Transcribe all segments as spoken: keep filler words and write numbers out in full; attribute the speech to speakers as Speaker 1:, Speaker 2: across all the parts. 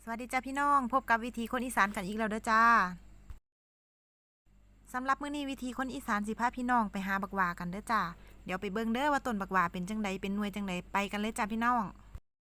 Speaker 1: สวัสดีจ้าพี่น้องพบกับวิธีคนอีสานกันอีกแล้วเด้อจ้าสำหรับมื้อนี้วิธีคนอีสานสิพาพี่น้องไปหาบักหว่ากันเด้อจ้าเดี๋ยวไปเบิ่งเด้อว่าต้นบักหว่าเป็นจังไดเป็นหน่วยจังไดไปกันเลยจ้าพี่น้อง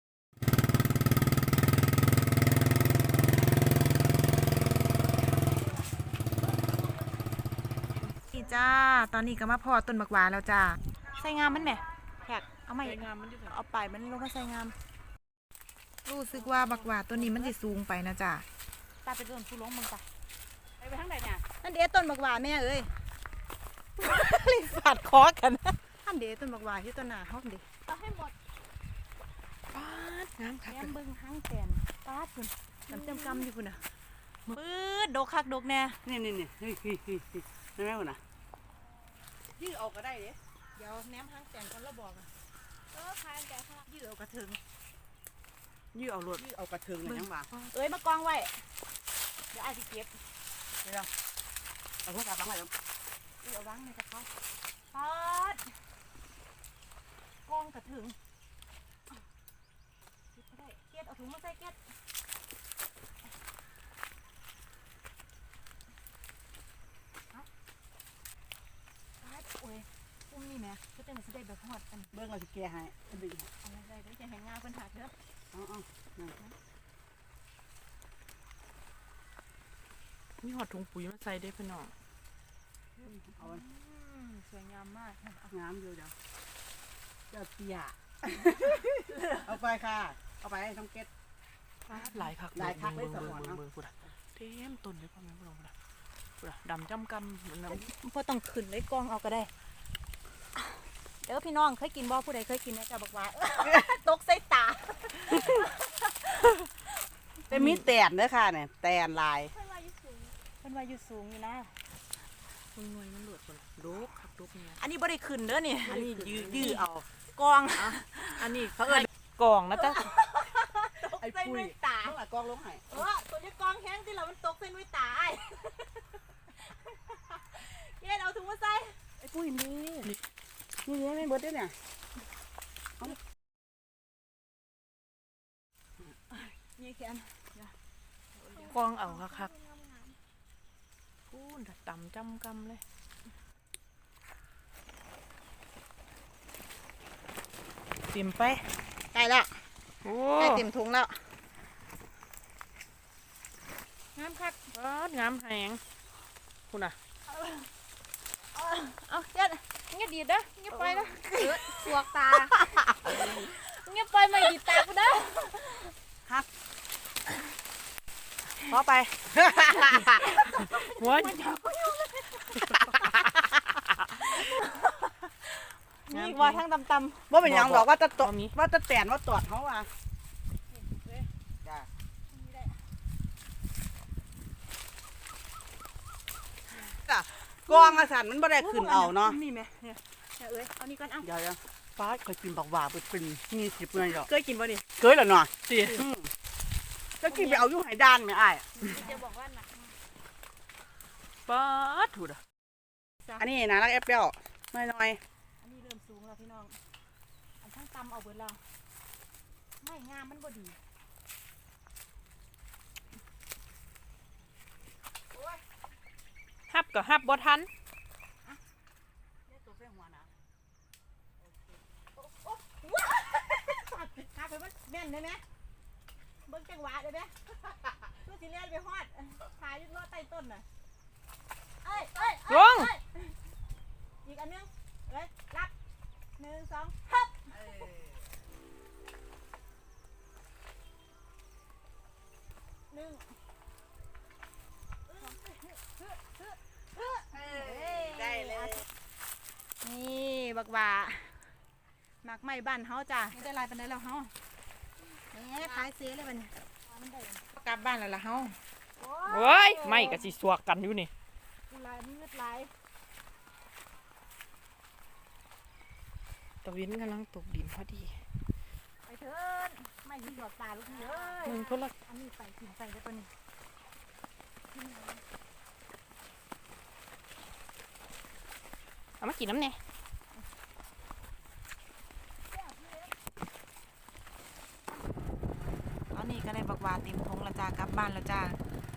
Speaker 1: นี่จ้าตอนนี้ก็มาพอต้นบักหว่าแล้วจ้าใส่งามมันแหมแขกเอามางามมันเอาไปมันลงมาใส่งามรู้สึกว่าบักหว่าต้นนี้มันสิสูงไปนะจ้าตาไปต้นผู้ล้มมึงจ้ะไปไปทางไหนเนี่ยนั่นเดต้นบักหว่าแม่เอ้ยรีบฝาดคอกันท่านเดต้นบักหว่าที่ต้นหนาห้องเดเอาให้หมดป้าดน้ำคักแย้มเบิ้งห้างแตนป้าดคุณน้ำเต็มกำอยู่คุณน่ะปื๊ดโดกคักโดกแน่
Speaker 2: นี่นี่นี่เฮ้ยเฮ้ยเฮ้ยเฮ้ยได้ไหมวะนะยืดออกก็ได้เด้
Speaker 1: เดี๋ยวแนมห้างแตนคนละบอกอ่ะ
Speaker 3: เออพายแต่ค่ะ
Speaker 1: ยืดเอากระเทิง
Speaker 2: ยืดเอารถยืดเอากระเทิงเลยยังบ่า
Speaker 1: เอ้ยมากองไว้เดี๋ยวไอ้ที่เก็บ
Speaker 2: เดี๋ยวเอาพวกกลับบ้านเลย
Speaker 1: เอาวางในกระเพาะปัดกองกระถึงเก็ดเอาถุงมาใส่เก็ดปัดโอ้ยอุ้มนี่แม่ก็จะมาสิได้แบบหอดอัน
Speaker 2: เบิ้งเราจะแก้ให้ดึง
Speaker 1: อะไรได้เดี๋ยวจะเห็นงาเป็นหักเด้อ
Speaker 2: อ๋ออ๋อ
Speaker 4: มีหอดถุงปุ๋ยมาใส่ได้พี่น้อง
Speaker 2: เอา
Speaker 1: สวยงามมาก
Speaker 2: งามอยู่เดี๋ยวเจ้าเตี้ยเอาไปค่ะเอาไปให้ต้องเก็ต
Speaker 4: หลายคัก
Speaker 2: หลายคักเลยสมองเนาะ
Speaker 4: เต็มต้นเลยพ่อแม่พี่น้องพูดพูดดำจำกำเหมือนน้
Speaker 1: ำพอต้องขึ้นเลยกองเอาก็ได้เดี๋ยวพี่น้องเคยกินบ่ผู้ใดเคยกินนะจ๊ะบอกว่าตกใส่ตา
Speaker 2: เป็นมีแตนเด้อค่ะเนี่ยแตนลาย
Speaker 3: เพื่อนว่าอยู่สูง
Speaker 1: เพื่อนว่าอยู่สูงอยู่นะ
Speaker 4: คุณหน่วยมันหลุดคนโดกคักโดกเนี่ย
Speaker 1: อันนี้บ่ได้ขึ้นเด้อนี่
Speaker 2: อันนี้ยืดยืดเอา
Speaker 1: กอง
Speaker 4: อันนี้เขาเอิ้นกองนะจ๊ะ
Speaker 1: ไอ้ปุ้ยตา
Speaker 2: เท่าไหร่กองลงให้
Speaker 1: เออตัวนี้กองแห้งที่เรามันตกใส่นุ้ยตาไอ้เย็นเอาถุงมาใส่
Speaker 2: ไอ้ปุ้ยนี่นี่นี่ไม่เบิดด้วยเนี่ย
Speaker 1: นี่แขน
Speaker 4: กองเอาคักๆพูดดำจำกำเลยเต็มไป
Speaker 1: ได้แล้ว
Speaker 4: โอ้
Speaker 1: ได้เต็มถุงแล้ว
Speaker 4: งามคักงามแหงคุณอ่ะ
Speaker 1: เอาเย็นเงียบดีเด้อเงียบไปนะ
Speaker 3: สวกตา
Speaker 1: เงียบไปไม่ดีตากูเด้อ
Speaker 2: ครับ
Speaker 4: พอไปหัว
Speaker 1: นี่ว่าทั้งตำๆ
Speaker 2: ว่าเป็นยังบอกว่าจะตดว่าจะแตนว่าตอดเขาอ่ะจ้ากองอาสันมันบ่ได้ขึ้นเอาเนาะ
Speaker 1: นี่ไหมเนี่ยเอ้ยเอานี่ก่อนเอา
Speaker 2: เดี๋ยวๆฟ้าเคยกินบักหว่าเป็นมีสิบเลยหรอ
Speaker 1: เคยกินป่ะนี่
Speaker 2: เคยแล้วเนาะ
Speaker 4: สิ
Speaker 2: ก็กินไปเอาอยู่ไหด้านไหมอ้าย
Speaker 1: จะบอกว่าหนัก
Speaker 4: ป๊าดถูดอ่ะ
Speaker 2: อันนี้นะรักแอปเปิ้ลน้อยน้อย
Speaker 1: อันนี้เริ่มสูงแล้วพี่น้องอันทั้งตำเอาเบิดแล้วไม่งามมันบ่ดี
Speaker 4: ฮับกับฮับบ่ทัน
Speaker 1: ขาไปมันแม่นได้ไหมเบิ้งจังหวะได้ไหมตัวสีเลี้ยนไปฮอดขายึดล้อใต้ต้นน่ะเอ้ยเอ้ย
Speaker 4: ลง
Speaker 1: อีกอันนึงเอ้ยรับหนึ่งสองฮับหนึ่ง
Speaker 2: ได้เลย
Speaker 1: นี่บักว่าหมักไม้บ้านเฮาจ้ะไม่ได้ลายปันไดแล้วเฮาเนี่ยขายเสียเลยบัดนี้กลับบ้านแล้วล่ะเฮา
Speaker 4: โอ้ยไม่กะสิสวกกันอยู่นี่
Speaker 1: ลายมืดลาย
Speaker 4: ตะวินกำลังตกดินพอดี
Speaker 1: ไปเถิดไม่ยิงดอกตาลูกเอ้ย
Speaker 4: มึงคนละ
Speaker 1: อันนี้ไปกินไปแล้วตัวนี้
Speaker 4: เอามากินน้ำเนี่ย
Speaker 1: ตอนนี้ก็ก็ได้บักหวาเต็มทงแล้วจ้ากลับบ้านแล้วจ้า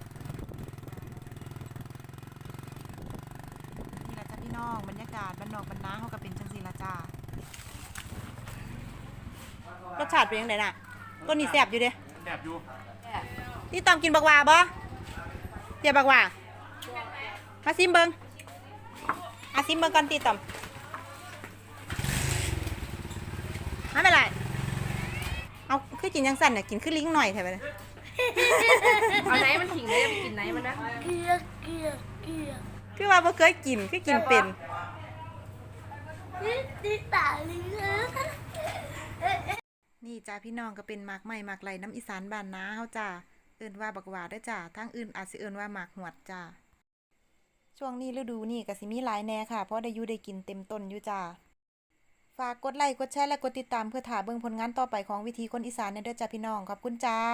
Speaker 1: นี่แหละจ้าพี่น้องบรรยากาศบ้านนอกบ้านนาเขาก็เป็นจังซี่ละจ้ารสชาติเป็นยังไงน่ะต้นนี้แซ่บอยู่เด้
Speaker 5: แอบอยู่
Speaker 1: พี่ตอมกินบักหวาบ่เดี๋ยวบักหวามาซิมเบิงอาซิมเบิงก่อนตีตอมไม่เป็นไรเอาคือกินยังสั่นน่ะกินคือลิงหน่อยแถวนี้
Speaker 3: เอาไหนมันถิงเลยไปกินไหนมันนะ
Speaker 1: คือว่าบ่เคยกินคือกินเป็น
Speaker 3: นี่ตาลิง
Speaker 1: นี่จ้าพี่น้องก็เป็นหมากใหม่หมากไหลน้ำอีสานบ้านนาเฮาจ้าเอิ้นว่าบักหวาเด้อจ้าทางอื่นอาจสิเอิ้นว่าหมากหวดจ้าช่วงนี้ฤดูนี่ก็สิมีหลายแหน่ค่ะเพราะได้อยู่ได้กินเต็มต้นอยู่จ้าฝากกดไลค์กดแชร์และกดติดตามเพื่อถ่าเบิ่งผลงานต่อไปของวิธีคนอีสานเด้อจ้าพี่น้องขอบคุณจ้า